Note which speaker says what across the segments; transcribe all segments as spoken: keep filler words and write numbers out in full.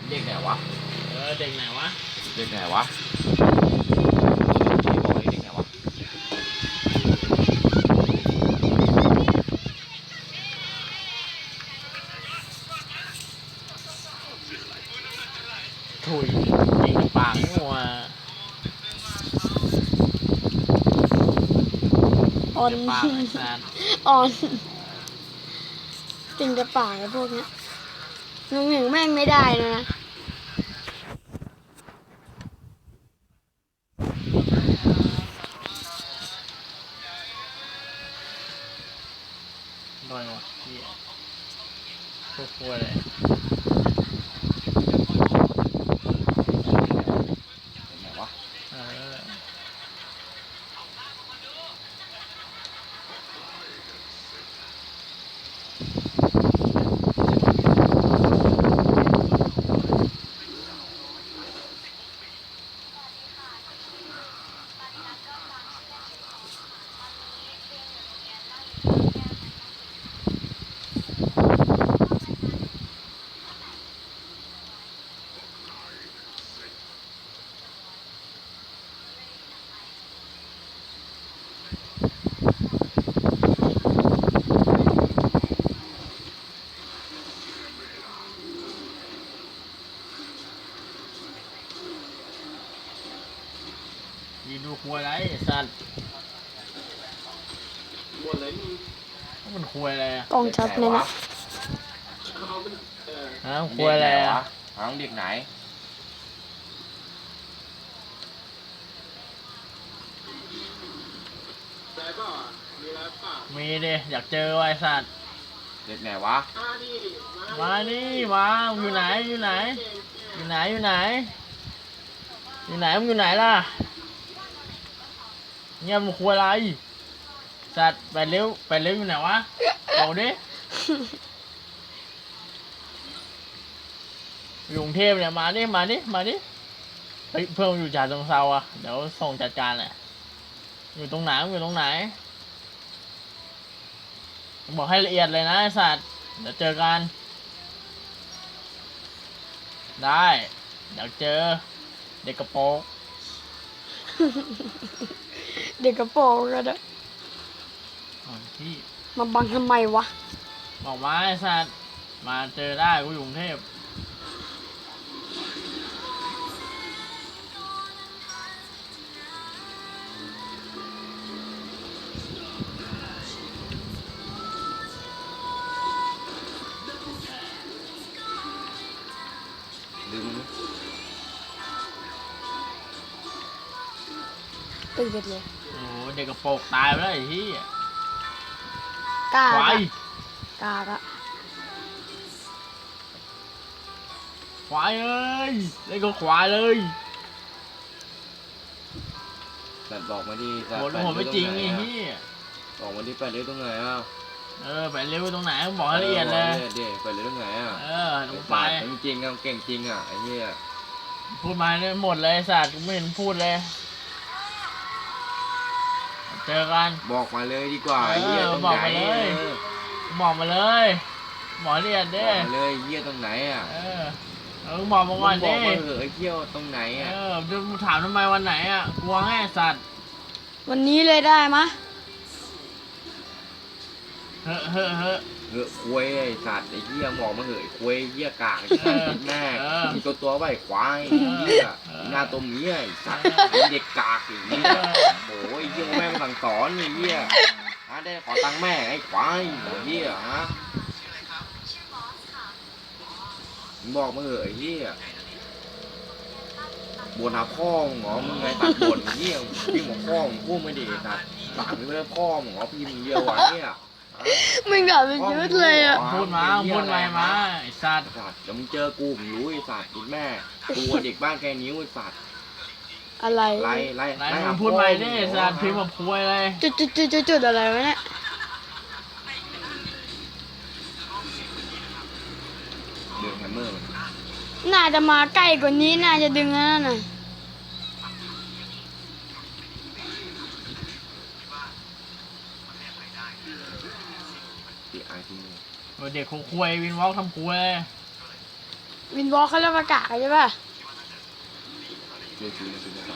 Speaker 1: เด็กไหนวะ
Speaker 2: เออเด็กไหนวะ
Speaker 1: เด็กไหนวะบอกเด็กไหนวะ
Speaker 2: ถุยยิงปากงัว
Speaker 3: อ่อน
Speaker 2: ปากไอ้สัตว์
Speaker 3: อ่อนจริงจะป่าไอ้พวกเนี้ยลุงหนึ่งแม่งไม่ได้เลยนะ
Speaker 2: โดนวะเหี้ยพวกพัวเลย
Speaker 1: เด็กไหนวะ
Speaker 2: เออยีดูควยไรไอ้สัตว์มันควยอะไรอะ
Speaker 3: กล้องชัดเลยนะ
Speaker 2: ฮะควยอะไรอะ
Speaker 1: หางเด็กไหน
Speaker 2: มีดิอยากเจอไอ้สัตว์
Speaker 1: เด็กไหนวะ
Speaker 2: มานี่มาอยู่ไหนอยู่ไหนอยู่ไหนอยู่ไหนอยู่ไหนมึงอยู่ไหนล่ะเงียบมึงควยอะไรสัตว์ไปเร็วไปเร็วอยู่ไหนวะบอกดิอยู่กรุงเทพเนี่ยมาดิมาดิมาดิเฮ้ยเพื่อนอยู่จ่าตรงเซาอ่ะเดี๋ยวส่งจัดการแหละอยู่ตรงไหนอยู่ตรงไหนบอกให้ละเอียดเลยนะไอ้สัตว์เดี๋ยวเจอกันได้เดี๋ยวเจอเด็กกระโปรง
Speaker 3: เด็กกระโปรงกันอะ
Speaker 2: อ๋อที่
Speaker 3: มาบังทำไมวะ
Speaker 2: บอกมาไอ้สัตว์มาเจอได้กูอยู่กรุงเทพ
Speaker 1: ดึง
Speaker 3: ตื่นเลย
Speaker 2: โอ้โหเด็กกระโปรงตายไปแล้วไอ้ที่
Speaker 3: กล้า
Speaker 2: ควาย
Speaker 3: กล้าละ
Speaker 2: ควายเอ้ยเล่นก็ควายเลย
Speaker 1: แต่บอกมาดิแต่
Speaker 2: โหดหัวไม่จริงไอ้ที่
Speaker 1: บอกมาดิไปเลี้ยตรงไหนอ่ะ
Speaker 2: เออไปเร็วตรงไหนบอกให้ละเอียดเลย
Speaker 1: เดี๋ยวไปเลี้ยตรงไหนอ่ะ
Speaker 2: เออลงไป
Speaker 1: จริงๆอ่ะเก่งจริงอ่ะไอ้เหี้ย
Speaker 2: พูดมาเนี่ยหมดเลยไอ้สัตว์กูไม่เห็นพูดเลยเจอกัน
Speaker 1: บอกมาเลยดีกว่า
Speaker 2: เออ
Speaker 1: ไอ้เหี้ยตรง
Speaker 2: บอก
Speaker 1: ไหน
Speaker 2: มาเลย
Speaker 1: เออ
Speaker 2: บอกมาเลยบอกละเอียด
Speaker 1: บ
Speaker 2: เด้
Speaker 1: อกมาเลยเหี้ยตรงไหนอ่ะ
Speaker 2: เออเออบอกมาก่อน
Speaker 1: บอ
Speaker 2: ดิ
Speaker 1: กมาเถอะไอ้เหี้ยตรงไหน
Speaker 2: เอ
Speaker 1: อ่ะ
Speaker 2: อจะถามทำไมวันไหนอ่ะกลัวไงไอ้สัตว์
Speaker 3: วันนี้เลยได้มะ
Speaker 2: เฮ้อเฮ้อเฮ้อ
Speaker 1: เหอะควยไอ้สัตว์ไอ้เหี้ยบอกมาเหอะไอ้ควยเหี้ยกากไอ้
Speaker 2: เอ
Speaker 1: สัต
Speaker 2: อ
Speaker 1: ว์แม่
Speaker 2: เออ
Speaker 1: มีตัวตัวไว้ไอ้ควาย
Speaker 2: เออ
Speaker 1: เหี้ย
Speaker 2: เออ
Speaker 1: หน้าตัวเมียไอ้สัตว์
Speaker 2: เออ
Speaker 1: ไอ้เด็กกากไอ้เหี้ยโอ้ยเหี้ยแม่งสั่งสอนไอ้เหี้ยฮะได้ขอตังค์แม่ไอ้ควายไอ้เหี้ยฮะมึงบอกมาเหอะไอ้เหี้ยบ่นหาพ่อมึงเหรอมึงไงตัดบ่นไอ้เหี้ยพี่หมอพ่อมึงพูดไม่ดีตัดต่างไม่ได้พ่อมึงเหรอพี่มึงเดียวอ่ะเนี่ย
Speaker 3: มึงด่าเป็นชีวิตเลยอะ
Speaker 2: พูดมาพูดไปมาไอ้สัตว์
Speaker 1: สัตว์เดี๋ยวมึงเจอกูมึงรู้ไอ้สัตว์ไอ้แม่กูเด็กบ้านแกนิ้วไอ้สัตว์
Speaker 3: อะไร
Speaker 1: ไล่ไล่
Speaker 2: ไหน
Speaker 1: ไล่
Speaker 2: มึ
Speaker 1: หาง
Speaker 2: พูดไปดิ
Speaker 1: พ่อ
Speaker 2: สัตว์พิมพ์มาพวยเลย
Speaker 3: จุดจุดจุดจุดจุดอะไรวะเนี่ย
Speaker 1: เดือดแฮมเมอร์
Speaker 3: น่าจะมาใกล้กว่านี้น่าจะดึงแล้วน่ะ
Speaker 1: ตีไอที
Speaker 2: เด็กคงควยวินวอล์กทำควย
Speaker 3: วินวอล์กเขาเรียกว่ากากใช่ป่ะ
Speaker 1: เชื่อชูนะชูนะ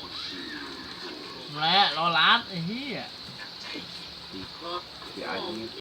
Speaker 2: แหละรอรัดไอ้เหี้ย
Speaker 1: เดี๋ยวอายุ